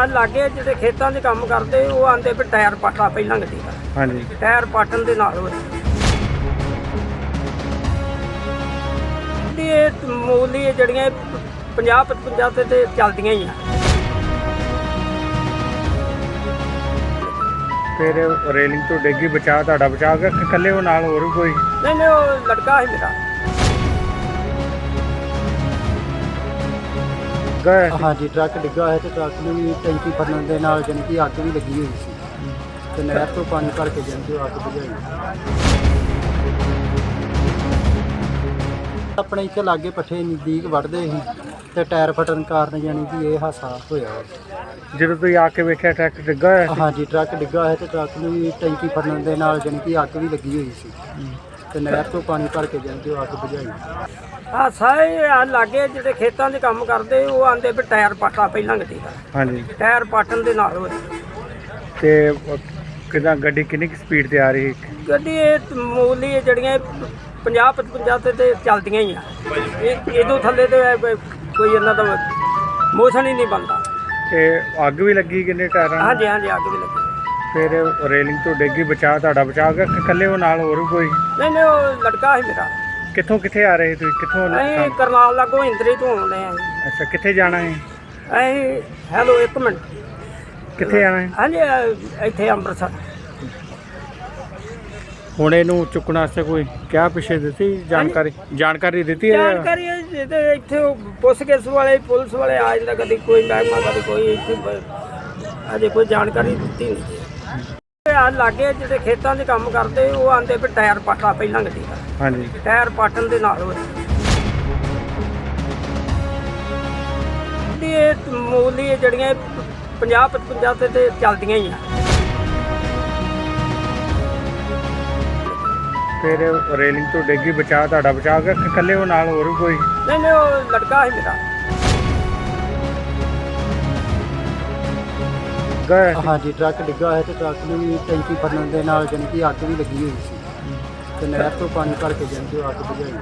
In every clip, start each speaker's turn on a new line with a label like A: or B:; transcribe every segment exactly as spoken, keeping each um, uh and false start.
A: ਆ ਲਾਗੇ ਜਿਹੜੇ ਖੇਤਾਂ 'ਚ ਕੰਮ ਕਰਦੇ ਉਹ ਆਂਦੇ ਵੀ ਟਾਇਰ ਪਾਟਾ ਪਹਿਲਾਂ ਗੱਡੀ ਦਾ। ਹਾਂਜੀ, ਟਾਇਰ ਪਾਟਣ ਦੇ ਨਾਲ ਹੋਇਆ ਇਹ ਮੂਲੀ ਜਿਹੜੀਆਂ ਪੰਜਾਹ ਪਚਵੰਜਾ ਤੇ ਤੇ ਚੱਲਦੀਆਂ ਹੀ ਆ।
B: ਫਿਰ ਰੇਲਿੰਗ ਤੋਂ ਡਿੱਗੀ, ਬਚਾ ਤੁਹਾਡਾ ਬਚਾ ਗਿਆ ਕਿ ਇਕੱਲੇ ਉਹ ਨਾਲ ਹੋਰ ਵੀ ਕੋਈ?
A: ਨਹੀਂ ਨਹੀਂ, ਉਹ ਲੜਕਾ ਸੀ ਮੇਰਾ।
C: ਹਾਂਜੀ, ਟਰੱਕ ਡਿੱਗਾ ਹੈ ਤੇ ਟਰੱਕ ਨੂੰ ਵੀ ਟੈਂਕੀ ਫੜਨ ਦੇ ਨਾਲ ਜਾਣੀ ਕਿ ਅੱਗ ਵੀ ਲੱਗੀ ਹੋਈ ਸੀ ਤੇ ਨਹਿਰ ਤੋਂ ਪਾਣੀ ਭਰ ਕੇ ਜਾਣੀ ਕਿ ਅੱਗ ਬੁਝਾਈ। ਆਪਣੇ ਇੱਥੇ ਲਾਗੇ ਪੱਠੇ ਨਜ਼ਦੀਕ ਵੱਢਦੇ ਸੀ ਤੇ ਟਾਇਰ ਫਟਣ ਕਾਰਨ ਜਾਣੀ ਕਿ ਇਹ ਹਾਦਸਾ ਹੋਇਆ।
B: ਜਦੋਂ ਤੁਸੀਂ ਆ ਕੇ ਵੇਖਿਆ ਟਰੱਕ ਡਿੱਗਾ ਹੋਇਆ?
C: ਹਾਂਜੀ, ਟਰੱਕ ਡਿੱਗਾ ਹੈ ਤੇ ਟਰੱਕ ਨੂੰ ਵੀ ਟੈਂਕੀ ਫੜਨ ਦੇ ਨਾਲ ਜਾਣੀ ਕਿ ਅੱਗ ਵੀ ਲੱਗੀ ਹੋਈ ਸੀ ਤੇ ਨਹਿਰ ਤੋਂ ਪਾਣੀ ਭਰ ਕੇ ਜਾਣੀ ਕਿ ਅੱਗ ਬੁਝਾਈ।
A: ਆ ਸਾਰੇ ਆ ਲਾਗੇ ਜਿਹੜੇ ਖੇਤਾਂ 'ਚ ਕੰਮ ਕਰਦੇ ਉਹ ਆਂਦੇ ਵੀ ਟਾਇਰ ਪਾਟਾ ਪਹਿਲਾਂ ਗੱਡੀ ਦਾ। ਹਾਂਜੀ, ਟਾਇਰ ਪਾਟਣ ਦੇ ਨਾਲ ਹੋਇਆ।
B: ਤੇ ਕਿਦਾਂ ਗੱਡੀ ਕਿੰਨੀ ਕੁ ਸਪੀਡ ਤੇ ਆ ਰਹੀ?
A: ਗੱਡੀ ਇਹ ਮੂਲੀ ਜਿਹੜੀਆਂ ਪੰਜਾਹ ਪਚਵੰਜਾ ਤੇ ਤੇ ਚੱਲਦੀਆਂ ਹੀ ਆ। ਇਹ ਇਹਦੋਂ ਥੱਲੇ ਤੇ ਕੋਈ ਇਹਨਾਂ ਦਾ ਮੋਸ਼ਨ ਹੀ ਨਹੀਂ ਬਣਦਾ।
B: ਤੇ ਅੱਗ ਵੀ ਲੱਗੀ ਕਿੰਨੇ ਟਾਇਰਾਂ?
A: ਹਾਂਜੀ ਹਾਂਜੀ, ਅੱਗ ਵੀ ਲੱਗੀ।
B: ਫਿਰ ਰੇਲਿੰਗ ਤੋਂ ਡਿੱਗੀ, ਬਚਾ ਤੁਹਾਡਾ ਬਚਾ ਗਿਆ ਕਿ ਇਕੱਲੇ ਉਹ ਨਾਲ ਹੋਰ ਵੀ ਕੋਈ?
A: ਨਹੀਂ ਨਹੀਂ, ਉਹ ਲੜਕਾ ਸੀ ਮੇਰਾ।
B: ਕਿੱਥੋਂ ਕਿੱਥੇ ਆ ਰਹੇ ਤੁਸੀਂ? ਕਿੱਥੋਂ?
A: ਅਸੀਂ ਕਰਨਾਲ ਲਾਗੋਂ ਇੰਦਰੀ ਤੋਂ ਆਉਂਦੇ ਆ।
B: ਅੱਛਾ, ਕਿੱਥੇ ਜਾਣਾ ਹੈ?
A: ਅਸੀਂ ਹੈਲੋ ਇੱਕ ਮਿੰਟ,
B: ਕਿੱਥੇ ਜਾਣਾ ਹੈ?
A: ਹਾਂਜੀ, ਇੱਥੇ ਅੰਮ੍ਰਿਤਸਰ।
B: ਹੁਣ ਇਹਨੂੰ ਚੁੱਕਣ ਵਾਸਤੇ ਕੋਈ ਕਿਆ ਪਿੱਛੇ ਦਿੱਤੀ ਜਾਣਕਾਰੀ? ਜਾਣਕਾਰੀ ਦਿੱਤੀ ਹੈ?
A: ਜਾਣਕਾਰੀ ਤੇ ਇੱਥੇ ਪੁੱਛਗਿੱਛ ਵਾਲੇ ਪੁਲਿਸ ਵਾਲੇ ਆ ਜਾਂਦਾ, ਕਦੀ ਕੋਈ ਮਹਿਕਮਾ ਕਦੀ ਕੋਈ। ਇੱਥੇ ਅਜੇ ਕੋਈ ਜਾਣਕਾਰੀ ਦਿੱਤੀ ਨਹੀਂ। ਆ ਲਾਗੇ ਜਿਹੜੇ ਖੇਤਾਂ 'ਚ ਕੰਮ ਕਰਦੇ ਉਹ ਆਂਦੇ ਵੀ ਟਾਇਰ ਪਾਟਾ ਪਹਿਲਾਂ ਗੱਡੀ ਦਾ। ਹਾਂਜੀ, ਟਾਇਰ ਪਾਟਣ ਦੇ ਨਾਲ ਹੋਇਆ। ਇਹ ਮੂਲੀ ਜਿਹੜੀਆਂ ਪੰਜਾਹ ਪਚਵੰਜਾ ਤੇ ਤੇ ਚੱਲਦੀਆਂ ਹੀ ਆ।
B: ਫਿਰ ਰੇਲਿੰਗ ਤੋਂ ਡਿੱਗੀ, ਬਚਾ ਤੁਹਾਡਾ ਬਚਾ ਗਿਆ ਕਿ ਇਕੱਲੇ ਉਹ ਨਾਲ ਹੋਰ ਵੀ ਕੋਈ?
A: ਨਹੀਂ ਨਹੀਂ, ਉਹ ਲੜਕਾ ਸੀ ਮੇਰਾ।
C: ਹਾਂਜੀ, ਟਰੱਕ ਡਿੱਗਾ ਹੈ ਤੇ ਟਰੱਕ ਨੂੰ ਵੀ ਟੈਂਕੀ ਫੜਨ ਦੇ ਨਾਲ ਜਾਣੀ ਕਿ ਅੱਗ ਵੀ ਲੱਗੀ ਹੋਈ ਸੀ ਤੇ ਨਹਿਰ ਤੋਂ ਪਾਣੀ ਭਰ ਕੇ ਜਾਣੀ ਕਿ ਅੱਗ ਬੁਝਾਈ।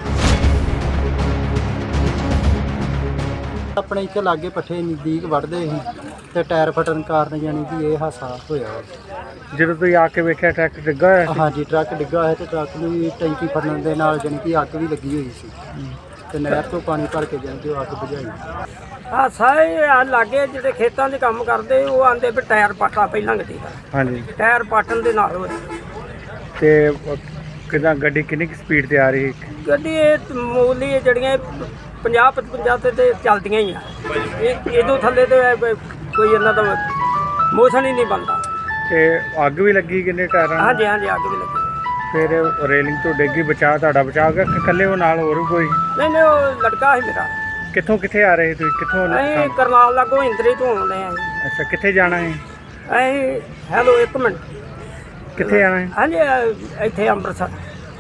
C: ਆਪਣੇ ਇੱਥੇ ਲਾਗੇ ਪੱਠੇ ਨਜ਼ਦੀਕ ਵੱਢਦੇ ਸੀ ਤੇ ਟਾਇਰ ਫਟਣ ਕਾਰਨ ਜਾਣੀ ਕਿ ਇਹ ਹਾਦਸਾ ਹੋਇਆ।
B: ਜਦੋਂ ਤੁਸੀਂ ਆ ਕੇ ਵੇਖਿਆ ਟਰੱਕ ਡਿੱਗਾ ਹੋਇਆ?
C: ਹਾਂਜੀ, ਟਰੱਕ ਡਿੱਗਾ ਹੈ ਤੇ ਟਰੱਕ ਨੂੰ ਵੀ ਟੈਂਕੀ ਫੜਨ ਦੇ ਨਾਲ ਜਾਣੀ ਕਿ ਅੱਗ ਵੀ ਲੱਗੀ ਹੋਈ ਸੀ ਤੇ ਨਹਿਰ ਤੋਂ ਪਾਣੀ ਭਰ ਕੇ ਜਾਣੀ ਕਿ ਅੱਗ ਬੁਝਾਈ।
A: ਆ ਸਾਰੇ ਆ ਲਾਗੇ ਜਿਹੜੇ ਖੇਤਾਂ 'ਚ ਕੰਮ ਕਰਦੇ ਉਹ ਆਂਦੇ ਵੀ ਟਾਇਰ ਪਾਟਾ ਪਹਿਲਾਂ ਗੱਡੀ ਦਾ। ਹਾਂਜੀ, ਟਾਇਰ ਪਾਟਣ ਦੇ ਨਾਲ ਹੋਇਆ। ਤੇ
B: ਕਿਦਾਂ ਗੱਡੀ ਕਿੰਨੀ ਕੁ ਸਪੀਡ ਤੇ ਆ ਰਹੀ?
A: ਗੱਡੀ ਇਹ ਮੂਲੀ ਜਿਹੜੀਆਂ ਪੰਜਾਹ ਪਚਵੰਜਾ ਤੇ ਤੇ ਚੱਲਦੀਆਂ ਹੀ ਆ। ਇਹ ਇਹਦੋਂ ਥੱਲੇ ਤੇ ਕੋਈ ਇਹਨਾਂ ਦਾ ਮੋਸ਼ਨ ਹੀ ਨਹੀਂ ਬਣਦਾ।
B: ਤੇ ਅੱਗ ਵੀ ਲੱਗੀ ਕਿੰਨੇ ਟਾਇਰਾਂ?
A: ਹਾਂਜੀ ਹਾਂਜੀ, ਅੱਗ ਵੀ ਲੱਗੀ।
B: ਫਿਰ ਰੇਲਿੰਗ ਤੋਂ ਡਿੱਗੀ, ਬਚਾ ਤੁਹਾਡਾ ਬਚਾ ਗਿਆ ਕਿ ਇਕੱਲੇ ਉਹ ਨਾਲ ਹੋਰ ਵੀ ਕੋਈ?
A: ਨਹੀਂ ਨਹੀਂ, ਉਹ ਲੜਕਾ ਸੀ ਮੇਰਾ।
B: ਕਿੱਥੋਂ ਕਿੱਥੇ ਆ ਰਹੇ ਤੁਸੀਂ? ਕਿੱਥੋਂ?
A: ਅਸੀਂ ਕਰਨਾਲ ਲਾਗੋਂ ਇੰਦਰੀ ਤੋਂ ਆਉਂਦੇ ਆ।
B: ਅੱਛਾ, ਕਿੱਥੇ ਜਾਣਾ ਹੈ?
A: ਅਸੀਂ ਹੈਲੋ ਇੱਕ ਮਿੰਟ,
B: ਕਿੱਥੇ ਜਾਣਾ ਹੈ?
A: ਹਾਂਜੀ, ਇੱਥੇ ਅੰਮ੍ਰਿਤਸਰ।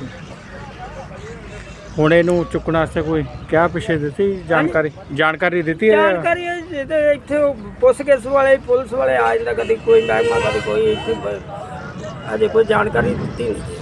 B: ਹੁਣ ਇਹਨੂੰ ਚੁੱਕਣ ਵਾਸਤੇ ਕੋਈ ਕਿਆ ਪਿੱਛੇ ਦਿੱਤੀ ਜਾਣਕਾਰੀ? ਜਾਣਕਾਰੀ ਦਿੱਤੀ ਹੈ?
A: ਜਾਣਕਾਰੀ ਤੇ ਇੱਥੇ ਪੁੱਛਗਿੱਛ ਵਾਲੇ ਪੁਲਿਸ ਵਾਲੇ ਆ ਜਾਂਦਾ, ਕਦੀ ਕੋਈ ਮਹਿਕਮਾ ਕਦੀ ਕੋਈ। ਇੱਥੇ ਅਜੇ ਕੋਈ ਜਾਣਕਾਰੀ ਦਿੱਤੀ ਨਹੀਂ।